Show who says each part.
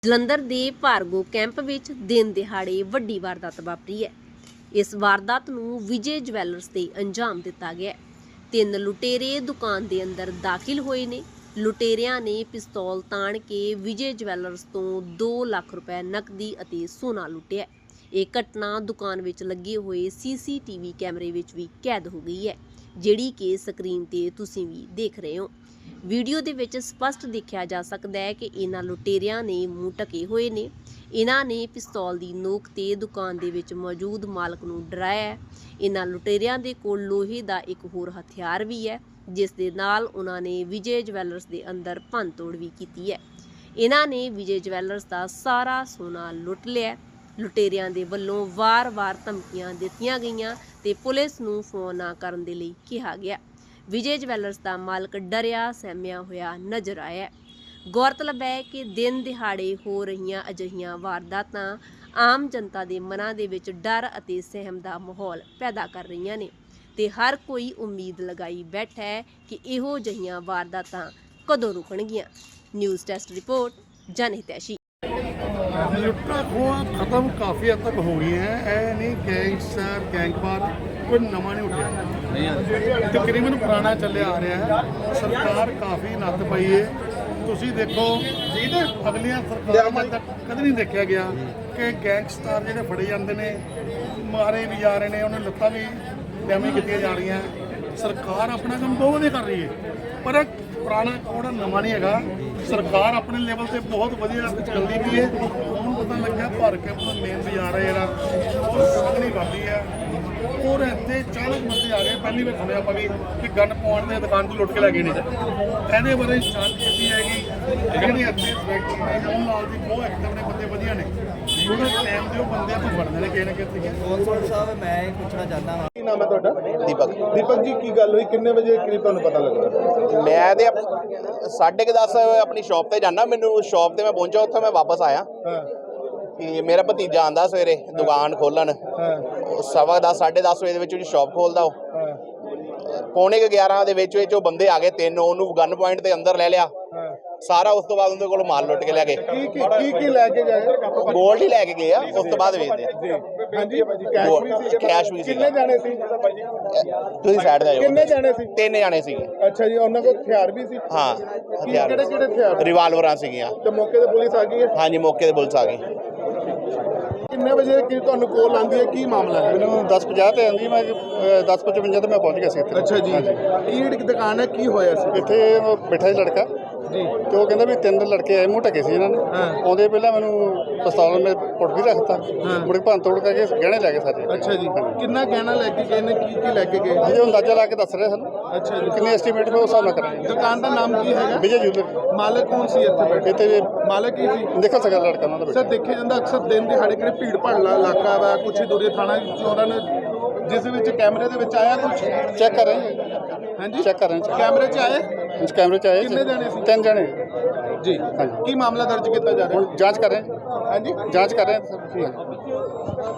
Speaker 1: ਜਲੰਧਰ ਦੇ ਭਾਰਗੋ ਕੈਂਪ ਵਿੱਚ ਦਿਨ ਦਿਹਾੜੇ ਵੱਡੀ ਵਾਰਦਾਤ ਵਾਪਰੀ ਹੈ। ਇਸ ਵਾਰਦਾਤ ਨੂੰ ਵਿਜੇ ਜਵੈਲਰਸ ਤੇ ਅੰਜਾਮ ਦਿੱਤਾ ਗਿਆ ਹੈ। 3 ਲੁਟੇਰੇ ਦੁਕਾਨ ਦੇ ਅੰਦਰ ਦਾਖਲ ਹੋਏ ਨੇ। ਲੁਟੇਰਿਆਂ ਨੇ ਪਿਸਤੌਲ ਤਾਣ ਕੇ ਵਿਜੇ ਜਵੈਲਰਸ ਤੋਂ 2 ਲੱਖ ਰੁਪਏ ਨਕਦੀ ਅਤੇ ਸੋਨਾ ਲੁੱਟਿਆ। ਇਹ ਘਟਨਾ ਦੁਕਾਨ ਵਿੱਚ ਲੱਗੇ ਹੋਏ CCTV ਕੈਮਰੇ ਵਿੱਚ ਵੀ ਕੈਦ ਹੋ ਗਈ ਹੈ, ਜਿਹੜੀ ਕਿ ਸਕਰੀਨ ਤੇ ਤੁਸੀਂ ਵੀ ਦੇਖ ਰਹੇ ਹੋ। ਵੀਡੀਓ ਦੇ ਵਿੱਚ ਸਪਸ਼ਟ ਦੇਖਿਆ ਜਾ ਸਕਦਾ ਹੈ ਕਿ ਇਹਨਾਂ ਲੁਟੇਰਿਆਂ ਨੇ ਮੂੰਹ ਢਕੇ ਹੋਏ ਨੇ। ਇਹਨਾਂ ਨੇ ਪਿਸਤੌਲ ਦੀ ਨੋਕ ਤੇ ਦੁਕਾਨ ਦੇ ਵਿੱਚ ਮੌਜੂਦ ਮਾਲਕ ਨੂੰ ਡਰਾਇਆ ਹੈ। ਇਹਨਾਂ ਲੁਟੇਰਿਆਂ ਦੇ ਕੋਲ ਲੋਹੇ ਦਾ ਇੱਕ ਹੋਰ ਹਥਿਆਰ ਵੀ ਹੈ, ਜਿਸ ਦੇ ਨਾਲ ਉਹਨਾਂ ਨੇ ਵਿਜੇ ਜਵੈਲਰਸ ਦੇ ਅੰਦਰ ਭੰਨਤੋੜ ਵੀ ਕੀਤੀ ਹੈ। ਇਹਨਾਂ ਨੇ ਵਿਜੇ ਜਵੈਲਰਸ ਦਾ ਸਾਰਾ ਸੋਨਾ ਲੁੱਟ ਲਿਆ। ਲੁਟੇਰਿਆਂ ਦੇ ਵੱਲੋਂ ਵਾਰ-ਵਾਰ ਧਮਕੀਆਂ ਦਿੱਤੀਆਂ ਗਈਆਂ ਤੇ ਪੁਲਿਸ ਨੂੰ ਫੋਨ ਨਾ ਕਰਨ ਦੇ ਲਈ ਕਿਹਾ ਗਿਆ। ਵਿਜੇ ਜਵੈਲਰਸ ਦਾ ਮਾਲਕ ਡਰਿਆ ਸਹਿਮਿਆ ਹੋਇਆ ਨਜ਼ਰ ਆਇਆ। ਗੌਰਤਲਬ ਹੈ ਕਿ ਦਿਨ ਦਿਹਾੜੇ ਹੋ ਰਹੀਆਂ ਅਜਿਹੀਆਂ ਵਾਰਦਾਤਾਂ ਆਮ ਜਨਤਾ ਦੇ ਮਨਾਂ ਦੇ ਵਿੱਚ ਡਰ ਅਤੇ ਸਹਿਮ ਦਾ ਮਾਹੌਲ ਪੈਦਾ ਕਰ ਰਹੀਆਂ ਨੇ ਤੇ ਹਰ ਕੋਈ ਉਮੀਦ ਲਗਾਈ ਬੈਠਾ ਹੈ ਕਿ ਇਹੋ ਜਿਹੀਆਂ ਵਾਰਦਾਤਾਂ ਕਦੋਂ ਰੁਕਣਗੀਆਂ। News desk report, Janhitaishi.
Speaker 2: ਲੁੱਟਾਂ ਖੋਹਾਂ ਖਤਮ ਕਾਫੀ ਹੱਦ ਤੱਕ ਹੋ ਗਈਆਂ ਹੈ। ਇਹ ਨਹੀਂ ਗੈਂਗਸਟਰ ਗੈਂਗਵਾਰ ਕੋਈ ਨਵਾਂ ਨਹੀਂ ਉੱਠਿਆ, ਤਕਰੀਬਨ ਪੁਰਾਣਾ ਚੱਲਿਆ ਆ ਰਿਹਾ ਹੈ। ਸਰਕਾਰ ਕਾਫੀ ਨੱਥ ਪਈ ਹੈ। ਤੁਸੀਂ ਦੇਖੋ ਅਗਲੀਆਂ ਸਰਕਾਰਾਂ ਤੱਕ ਕਦੇ ਨਹੀਂ ਦੇਖਿਆ ਗਿਆ ਕਿ ਗੈਂਗਸਟਰ ਜਿਹੜੇ ਫੜੇ ਜਾਂਦੇ ਨੇ, ਮਾਰੇ ਵੀ ਜਾ ਰਹੇ ਨੇ, ਉਹਨਾਂ ਲੱਤਾਂ ਵੀ ਡੈਮੇਜ ਕੀਤੀਆਂ ਜਾ ਰਹੀਆਂ। ਸਰਕਾਰ ਆਪਣਾ ਕੰਮ ਬਹੁਤ ਵਧੀਆ ਕਰ ਰਹੀ ਹੈ, ਪਰ ਪੁਰਾਣਾ ਕੋੜਾ ਨਵਾਂ ਨਹੀਂ ਹੈਗਾ। ਸਰਕਾਰ ਆਪਣੇ ਲੈਵਲ ਤੇ ਬਹੁਤ ਵਧੀਆ ਚੱਲਦੀ ਪਈ ਹੈ। ਹੁਣ ਪਤਾ ਲੱਗਿਆ ਭਰ ਕੇ ਆਪਣਾ ਮੇਨ ਬਾਜ਼ਾਰ ਹੈ ਜਿਹੜਾ ਉਹ ਸਾਹਮਣੇ ਕਰਦੀ ਹੈ, ਔਰ ਇੱਥੇ 40 ਬੰਦੇ ਆ ਗਏ। ਪਹਿਲੀ ਵਾਰ ਸੁਣਿਆ ਆਪਾਂ ਵੀ ਕਿ ਗਨ ਪਾਉਣ ਦੇ ਦੁਕਾਨ ਤੋਂ ਲੁੱਟ ਕੇ ਲੈ ਗਏ ਨੇ। ਇਹਦੇ ਬਾਰੇ ਜਾਂਚ ਕੀਤੀ ਹੈਗੀ। ਜਿਹੜੇ ਇੱਥੇ ਮੋਹਨ ਲਾਲ ਦੀ ਬਹੁਤ ਐਕਟਿਵ ਨੇ, ਬੰਦੇ ਵਧੀਆ ਨੇ। ਉਹਨਾਂ ਟਾਈਮ ਦੇ ਉਹ ਬੰਦੇ ਆਪਾਂ ਫੜਦੇ ਨੇ ਕਿਸੇ ਨਾ ਕਿਸੇ।
Speaker 3: ਕੌਂਸਲ ਸਾਹਿਬ, ਮੈਂ ਇਹ ਪੁੱਛਣਾ ਚਾਹੁੰਦਾ ਹਾਂ,
Speaker 4: ਕੀ ਨਾਮ ਹੈ ਤੁਹਾਡਾ?
Speaker 5: ਦੀਪਕ
Speaker 4: ਜੀ, ਕੀ ਗੱਲ ਹੋਈ? ਕਿੰਨੇ ਵਜੇ ਕਰੀਬ ਤੁਹਾਨੂੰ ਪਤਾ ਲੱਗਾ?
Speaker 5: ਮੈਂ ਤੇ 10:30 ਆਪਣੀ ਸ਼ਾਪ ਤੇ ਜਾਣਾ। ਮੈਨੂੰ ਸ਼ਾਪ ਤੇ ਮੈਂ ਪਹੁੰਚਾ, ਉੱਥੇ ਮੈਂ ਵਾਪਸ ਆਇਆ ਕਿ ਮੇਰਾ ਭਤੀਜਾ ਆਂਦਾ ਸਵੇਰੇ ਦੁਕਾਨ ਖੋਲਣ। 10:15 10:30 ਵਜੇ ਦੇ ਵਿੱਚ ਸ਼ਾਪ ਖੋਲਦਾ। ਉਹ 11:45 ਦੇ ਵਿੱਚ ਉਹ ਬੰਦੇ ਆ ਗਏ 3। ਉਹਨੂੰ ਗਨ ਪੁਆਇੰਟ ਦੇ ਅੰਦਰ ਲੈ ਲਿਆ ਸਾਰਾ। ਉਸ ਤੋਂ ਬਾਅਦ ਉਹਦੇ ਕੋਲ ਮਾਲ ਲੁੱਟ ਕੇ ਲੈ ਗਏ।
Speaker 4: ਕੀ ਲੈ ਕੇ ਗਏ?
Speaker 5: ਗੋਲਡ ਹੀ ਲੈ ਕੇ ਗਏ ਆ। ਉਸ ਤੋਂ ਬਾਅਦ ਵੇਚਦੇ
Speaker 4: ਹਾਂਜੀ,
Speaker 5: ਕੈਸ਼ ਵੀ ਸੀ।
Speaker 4: ਕਿੰਨੇ ਜਾਣੇ ਸੀ?
Speaker 5: ਤੁਸੀਂ ਸਾਈਡ ਤੇ ਆ ਜਾਓ।
Speaker 4: ਕਿੰਨੇ ਜਾਣੇ ਸੀ?
Speaker 5: 3 ਜਾਣੇ ਸੀਗੇ।
Speaker 4: ਅੱਛਾ ਜੀ, ਉਹਨਾਂ ਕੋਲ ਹਥਿਆਰ ਵੀ ਸੀ?
Speaker 5: ਹਾਂ, ਹਥਿਆਰ
Speaker 4: ਕਿਹੜੇ ਹਥਿਆਰ?
Speaker 5: ਰਿਵਾਲਵਰਾਂ ਸੀਗੀਆਂ।
Speaker 4: ਤੇ ਮੌਕੇ ਤੇ ਪੁਲਿਸ ਆ ਗਈ ਹੈ?
Speaker 5: ਹਾਂਜੀ, ਮੌਕੇ ਤੇ ਪੁਲਿਸ ਆ ਗਈ।
Speaker 4: ਕਿੰਨੇ ਵਜੇ ਕੀ ਤੁਹਾਨੂੰ ਕੋਲ ਆਉਂਦੀ ਹੈ? ਕੀ ਮਾਮਲਾ ਹੈ?
Speaker 2: ਮੈਨੂੰ 10:50 ਤੇ ਆਂਦੀ, ਮੈਂ 10:55 ਤੇ ਮੈਂ ਪਹੁੰਚ ਗਿਆ ਸੀ ਇੱਥੇ।
Speaker 4: ਅੱਛਾ ਜੀ, ਕੀ ਦੁਕਾਨ ਹੈ? ਕੀ ਹੋਇਆ ਸੀ
Speaker 2: ਇੱਥੇ ਬੈਠਾ ਸੀ ਲੜਕਾ
Speaker 4: ਜੀ,
Speaker 2: ਤੇ ਉਹ ਕਹਿੰਦਾ ਵੀ 3 ਲੜਕੇ ਆਏ, ਮੂੰਹ ਢਕੇ ਸੀ ਇਹਨਾਂ ਨੇ। ਆਉਂਦੇ ਪਹਿਲਾਂ ਮੈਨੂੰ ਪਿਸਤੌਲ ਮੇ ਪੁੱਟ ਵੀ ਰੱਖਤਾ, ਮੁੜ ਕੇ ਭੰਨ ਤੋੜ ਕਰਕੇ ਗਹਿਣੇ ਲੈ ਗਏ ਸਾਰੇ।
Speaker 4: ਅੱਛਾ ਜੀ, ਕਿੰਨਾ ਗਹਿਣਾ ਲੈ ਕੇ ਗਏ ਨੇ? ਕੀ ਲੈ ਕੇ ਗਏ?
Speaker 2: ਅਜੇ ਅੰਦਾਜ਼ਾ ਲਾ ਕੇ ਦੱਸ ਰਹੇ ਸਾਨੂੰ।
Speaker 4: ਅੱਛਾ ਜੀ,
Speaker 2: ਕਿੰਨੇ ਐਸਟੀਮੇਟ ਮੈਂ ਉਸ ਹਿਸਾਬ ਨਾਲ ਕਰਾਂਗੇ।
Speaker 4: ਦੁਕਾਨ ਦਾ ਨਾਮ ਕੀ ਹੈਗਾ?
Speaker 2: ਵਿਜੇ ਜੂਲਰ।
Speaker 4: ਮਾਲਕ ਕੌਣ ਸੀ ਇੱਥੇ ਬੈਠੇ?
Speaker 2: ਇੱਥੇ
Speaker 4: ਮਾਲਕ ਹੀ ਸੀ?
Speaker 2: ਦੇਖੋ ਸਕਦਾ ਲੜਕਾ ਉਹਨਾਂ ਦਾ
Speaker 4: ਸਰ, ਦੇਖਿਆ ਜਾਂਦਾ ਅਕਸਰ ਦਿਨ ਦਿਹਾੜੇ ਕਿਹੜੇ ਭੀੜ ਭਾੜਲਾ ਇਲਾਕਾ ਵਾ, ਕੁਛ ਹੀ ਦੂਰੇ ਥਾਣਾ ਚੋਰਾਂ ਨੇ, ਜਿਸ ਵਿੱਚ ਕੈਮਰੇ ਦੇ ਵਿੱਚ ਆਇਆ ਕੁਛ?
Speaker 2: ਚੈੱਕ ਕਰ ਰਹੇ
Speaker 4: ਹਾਂਜੀ,
Speaker 2: ਚੈੱਕ ਕਰ ਰਹੇ
Speaker 4: ਕੈਮਰੇ 'ਚ ਆਏ?
Speaker 2: ਕੈਮਰੇ 'ਚ ਆਏ।
Speaker 4: ਕਿੰਨੇ ਜਾਣੇ ਸੀ?
Speaker 2: 3 ਜਾਣੇ
Speaker 4: ਜੀ,
Speaker 2: ਹਾਂਜੀ।
Speaker 4: ਕੀ ਮਾਮਲਾ ਦਰਜ ਕੀਤਾ ਜਾ ਰਿਹਾ?
Speaker 2: ਹੁਣ ਜਾਂਚ ਕਰ ਰਹੇ
Speaker 4: ਹਾਂਜੀ,
Speaker 2: ਜਾਂਚ ਕਰ ਰਹੇ